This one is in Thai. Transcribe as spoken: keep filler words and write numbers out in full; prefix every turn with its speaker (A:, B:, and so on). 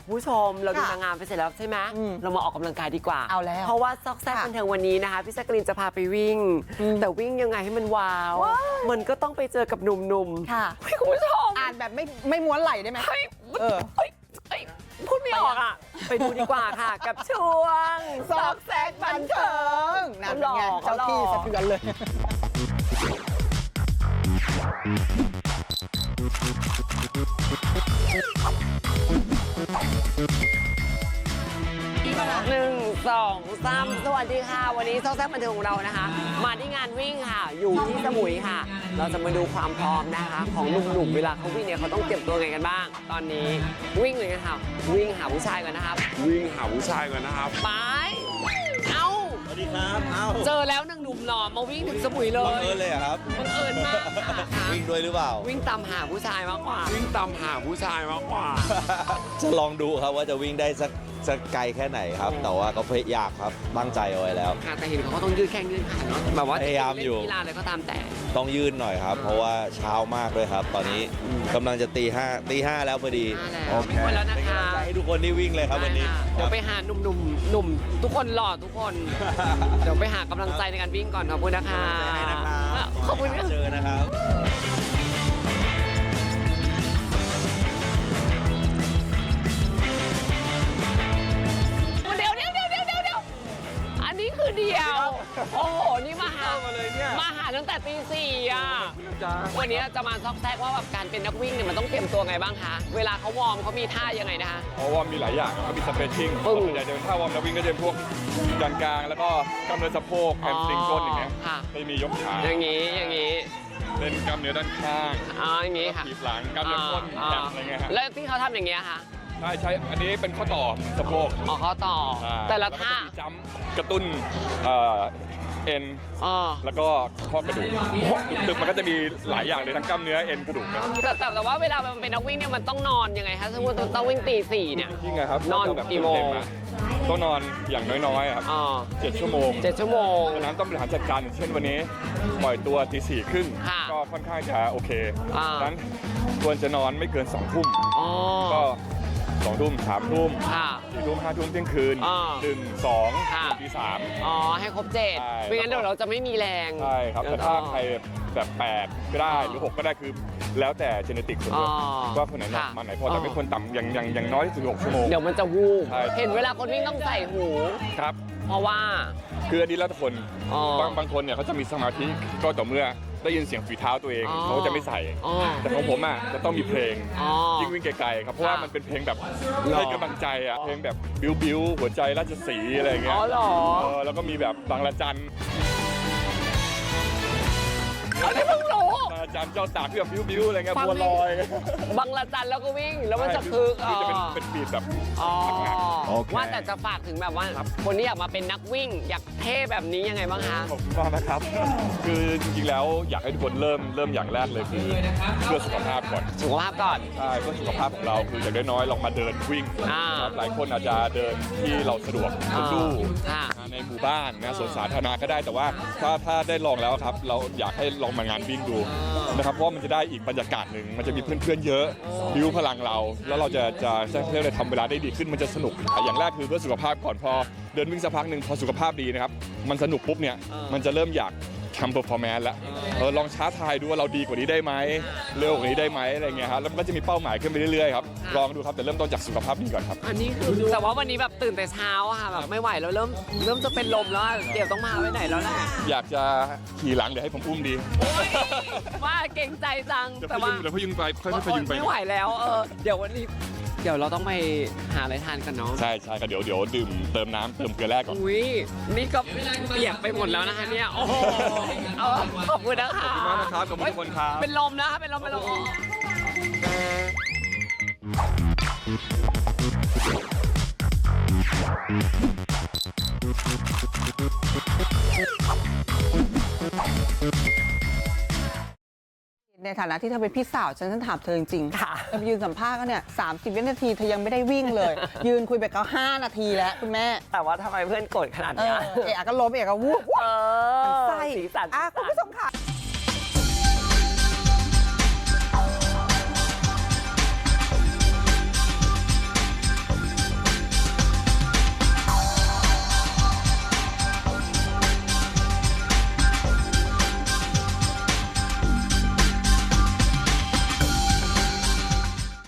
A: ผู้ชมเราดูนางงามไปเสร็จแล้วใช่ไหมเรามาออกกำลังกายดีกว่า
B: เอาแล้ว
A: เพราะว่าซอกแซกบันเทิงวันนี้นะคะพี่แจ๊กกะรีนจะพาไปวิ่งแต่วิ่งยังไงให้มันว้าวมันก็ต้องไปเจอกับหนุ่มๆ
B: ค่ะ
A: คุณผู้ชม
B: อ่านแบบไม่ไม่ม้วนไหลได้ไหม
A: เฮ้ย
B: เออ
A: เฮ้ยเฮ้ยพูดไม่ออกอ่ะไปดูดีกว่าค่ะกับช่วง
B: ซอกแซกบันเทิงนั่นเป็นไง
A: เขาหล่อ
B: เจ้าที่สะเทือนเลย
A: หนึ่งสองสามสวัสดีค่ะวันนี้ซอกแซกบันเทิงของเรานะคะ มาที่งานวิ่งค่ะอยู่ที่สมุยค่ะ เราจะมาดูความพร้อมนะคะ ของหนุ่มๆเวลาเขาวิ่งเนี่ยเขาต้องเตรียมตัวไงกันบ้าง ตอนนี้วิ่งเลยกันค่ะวิ่งหาผู้ชายกันนะครับ
C: วิ่งหาผู้ชายก่อนนะครับ
A: ไปเอ้า
D: สวัสดีครับ เอ้า
A: เจอแล้วหนึ่งหนุ่มหล่อมาวิ่งถึงสมุยเล
D: บัง
A: ย
D: เอิญเลยเหรอครับ
A: บังเอิญมากค่ะ
D: วิ่งด้วยหรือเปล่า
A: วิ่งตามหาผู้ชายมากกว่า
C: วิ่งตามหาผู้ชายมากกว่า
D: จะลองดูครับว่าจะวิ่งได้สักสักไกลแค่ไหนครับ แต่ว่าก็พยายามครับตั้งใจเอาไว้แล้ว
A: ค่ะแต่เห็นเขาก็ต้องยืดแข้งยืดขาเนาะแบบว่า
D: พยายามอยู่
A: เล่นกีฬาอะไรก็ตามแต่
D: ต้องยืนหน่อยครับ เพราะว่าเช้ามากเลยครับ ตอนนี้กำลังจะตีห้าตีห้าแล้วพอดี
A: มาแล้ว
D: โอเค
A: วิ่งไปแล้วนะ
D: เป็น
A: คะ
D: กำลังใจให้ทุกคนที่วิ่งเลยครับวันนี้
A: ได้ค่ะเดี๋ยวไปหาหนุ่มหนุ่มๆหนุ่มทุกคนหล่อทุกคน เดี๋ยวไปหากำลังใจในการวิ่งก่อนขอบคุณนะคะ
D: ให้นะครับ
A: ขอบคุณค่ะ
D: เจอนะครับ
A: เดี๋ยวเดี๋ยวเดี๋ยวเดี๋ยวเดี๋ยวเดี๋ยวอันนี้คือเดียว โอ้โห นี่มาหา
C: มาเลยเนี่ย
A: มาหาตั้งแต่ตีสี่อ่ะ วันนี้จะมาซอกแซกว่าแบบการเป็นนักวิ่งเนี่ยมันต้องเตรียมตัวไงบ้างคะ เวลาเขาวอร์มเขามีท่ายังไงนะคะ
C: เพราะว่ามีหลายอย่างก็มีสเปรชชิ่ง
A: ปึ้ง
C: ส่วนใหญ่เดินท่าวอร์มแล้ววิ่งก็จะเป็นพวกยันกลางแล้วก็กล้ามเนื้อสะโพกแฮมสตริงก้นอย่างเงี้ย
A: ค่ะ
C: ไม่มียกขา
A: อย่างนี้อย่างนี้
C: เล่นกล้ามเนื้อด้านข้าง
A: อ๋ออย่างนี้ค่ะ
C: ถีบหลังกล้ามเนื้อก้น
A: อ่า
C: แขนอะไรเงี้ยฮะ
A: แล้วที่เขาทำอย่างเงี้ยค่ะ
C: ใช่ใช่อันนี้เป็นข้อต่อสะโพก
A: อ๋อเขาต่อ
C: ใช่
A: แต่ละ
C: วก็
A: ท่า
C: จะมีจัมป์กระตุ้นเอ่อเอ็น
A: อ๋อ
C: แล้วก็ข้อกระดูกตึกมันก็จะมีหลายอย่างเลยทั้งกล้ามเนื้อเอ็นกระดูกเนี่ย
A: แต่แต่แต่ว่าเวลามันเป็นนักวิ่งเนี่ยมันต้องนอนยังไงคะสมมติต้องวิ่งตีสี่เนี่ย
C: จริงไงครับ
A: นอน
C: แบบ
A: กี่โมง
C: เต็ๆอะต้องนอนอย่างน้อยๆอะครับ
A: อ๋อ
C: เจ็ดชั่วโมง
A: เจ็ดชั่วโมง
C: ดังนั้นต้องบริหารจัดการอย่างเช่นวันนี้ปล่อยตัวตีสี่ครึ่ง
A: ค่ะ
C: ก็ค่อนข้างจะโอเค
A: อ่า
C: ดังนั้นควรจะนอนไม่เกินสองทุ่ม
A: อ๋อ
C: ก็สองทุ่มสามทุ่ม
A: ค่ะ
C: สี่ทุ่มห้าทุ่มเที่ยงคืน
A: อ่า
C: หนึ่งสอง
A: ค่ะ
C: ตีสาม
A: อ๋อ ให้ครบเจ็ด
C: ใช่
A: ไม่งั้นเดี๋ยวเราจะไม่มีแรง
C: ใช่ครับแต่ถ้าใครแบบแปดก็ได้หรือหกก็ได้คือแล้วแต่เจเนติกคน
A: อ๋อ
C: ด้วยว่าคนไหนหนัก
A: ค่ะ
C: มันไหนพอแต่ไม่ควรต่ำอย่างอย่างอย่างน้อยที่สุดหกชั่วโมง
A: เดี๋ยวมันจะวูบ
C: ใช่
A: เห็นเวลาคนวิ่งต้องใส่หู
C: ครับ
A: เพราะว่า
C: คืออันนี้แล้วแต่คน
A: อ๋อ
C: บางบางคนเนี่ยเขาจะมีสมาธิก็ต่อเมื่อได้ยินเสียงฝีเท้าตัวเอง
A: อ๋อ
C: เขาก็จะไม่ใส่
A: อ๋อ
C: แต่ของผมอ่ะจะต้องมีเพลง
A: อ๋อ
C: ยิ่งวิ่งไกลๆครับเพราะว่า
A: ค่ะ
C: มันเป็นเพลงแบบ
A: หรอ
C: ให้กำลังใจอ่ะเพลงแบบบิ้วบิ้วหัวใจราชสีห์อะไรอย่างเงี้
A: อ๋
C: ย
A: อเหรอ
C: เออแล้วก็มีแบบบางละจัน
A: อันนี้เพิ่งรู้
C: บางละจันเจ้าตากที่แบบบิ้วบิ้วอะไรเงี้ย
A: ฟัง
C: บัวลอย
A: บางละจันแล้วก็วิ่ง แล้วมันจะคึก
C: คือจะเป็นเป็นบีทแบบ
A: อ๋อ
D: โอเค
A: ว่าแต่จะฝากถึงแบบว่า คนที่อยากมาเป็นนักวิ่ง อยากเท่แบบนี้ยังไงบ้างคะ
C: ขอบคุณมากนะครับ คือจริงๆแล้วอยากให้ทุกคนเริ่มเริ่มอย่างแรกเลยคือเพื่อสุขภาพก่อน
A: สุขภาพก่อน
C: ใช่เพื่อสุขภาพของเราคืออย่างน้อยๆลองมาเดินวิ่ง
A: อ่า
C: ครับหลายคนอาจจะเดินที่เราสะดวก
A: อ่า
C: ลู่
A: ค่ะ
C: ในหมู่บ้านนะสวนสาธารณะก็ได้แต่ว่าถ้าถ้าได้ลองแล้วครับ เราอยากให้ลองมางานวิ่งดูนะครับเพราะว่ามันจะได้อีกบรรยากาศหนึ่งมันจะมีเพื่อนๆเยอะบิวพลังเรา แล้วเราจะจะจะเรียกอะไรทำเวลาได้ดีขึ้นมันจะสนุกอย่างแรกคือเพื่อสุขภาพก่อนพอเดินวิ่งสักพักหนึ่งพอสุขภาพดีนะครับมันสนุกปุ๊บเนี่ยมันจะเริ่มอยากทำเปอร์ฟอร์แมนซ์แล้วเออลองช้าทายดูว่าเราดีกว่านี้ได้ไหมเร็วกว่านี้ได้ไหมอะไรเงี้ยครับแล้วมันก็จะมีเป้าหมายขึ้นไปเรื่อยๆครับลองดูครับแต่เริ่มต้นจากสุขภาพดีก่อนครับ
A: อันนี้คือแต่ว่าวันนี้แบบตื่นแต่เช้าอะค่ะแบบไม่ไหวแล้วเริ่มเริ่มจะเป็นลมแล้วอะเดี๋ยวต้องมาไว้ไหนแล้วแหละ
C: อยากจะขี่หลังเดี๋ยวให้ผมอุ้มดี
A: ว่าเก่งใจจัง
C: เดี๋ยว
A: แต่
C: พ
A: ว่า
C: ยุงเดี๋ยวพยุงไปค่อยๆพยุงไป
A: ไม่ไหวแล้วเออเดี๋ยววันนี้เดี๋ยวเราต้องไปหาอะไรทานกันเนาะ
C: ใช่ใช่ก็เดี๋ยวเดี๋ยวดื่มเติมน้ำเติมเกลือแร่ก่อน
A: อุ้ยนี่ก็เปียกไปหมดแล้วนะคะเนี่ยโอ้โหเอาขอบคุณนะคะ
C: ขอบคุณมากนะครับขอบคุณทุกคนครับ
A: เป็นลมนะคะเป็นลมเป็นลม
B: ในฐานะที่เธอเป็นพี่สาวฉันฉันถามเธอจริงๆ
A: ค่ะ
B: เธอไปยืนสัมภาษณ์ก็เนี่ยสามสิบวินาทีเธอยังไม่ได้วิ่งเลย ยืนคุยไปก็ห้านาทีแล้วคุณแม่
A: แต่ว่าทำไมเพื่อนโกรธขนาด
B: เอ
A: เนี้
B: อย เอะก็ล้มเอะก็วูบ
A: เออ
B: มันไส้
A: สีสัน
B: อ่ะ
A: สีสัน
B: คุณผู้ชมค่ะ